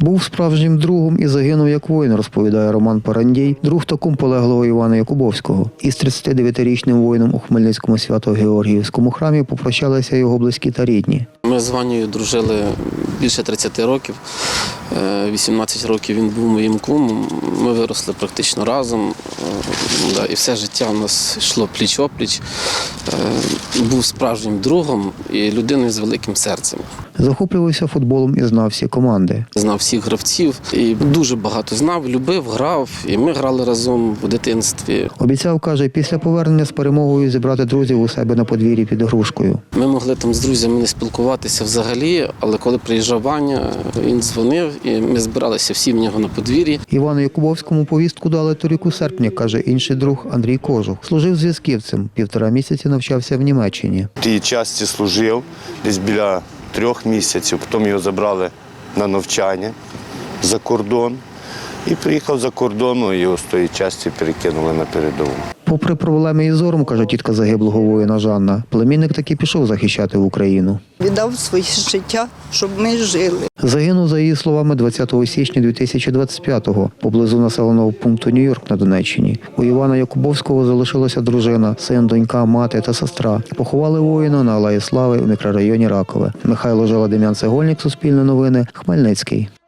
Був справжнім другом і загинув як воїн, розповідає Роман Парандій, друг та кум полеглого Івана Якубовського. Із 39-річним воїном у Хмельницькому Свято-Георгіївському храмі попрощалися його близькі та рідні. Ми з Ванією дружили більше 30 років. 18 років він був моїм кумом. Ми виросли практично разом. І все життя у нас йшло пліч-опліч. Був справжнім другом і людиною з великим серцем. Захоплювався футболом і знав всі команди. Знав всіх гравців і дуже багато знав, любив, грав. І ми грали разом в дитинстві. Обіцяв, каже, після повернення з перемогою зібрати друзів у себе на подвір'ї під Грушкою. Ми могли там з друзями не спілкуватися взагалі, але коли приїжджав Ваня, він дзвонив і ми збиралися всі в нього на подвір'ї. Івану Якубовському повістку дали торік у серпні, каже інший друг Андрій Кожух. Служив зв'язківцем, 1,5 місяці навчався в Німеччині. В тій часті служив десь біля 3 місяців, потім його забрали на навчання за кордон. І приїхав за кордону, і його з тої частини перекинули на передову. Попри проблеми із зором, каже тітка загиблого воїна Жанна, племінник таки пішов захищати Україну. Віддав своє життя, щоб ми жили. Загинув, за її словами, 20 січня 2025-го поблизу населеного пункту Нью-Йорк на Донеччині. У Івана Якубовського залишилася дружина, син, донька, мати та сестра. Поховали воїна на Алеї Слави у мікрорайоні Ракове. Михайло Жила, Дем'ян Цегольник, Суспільне новини, Хмельницький.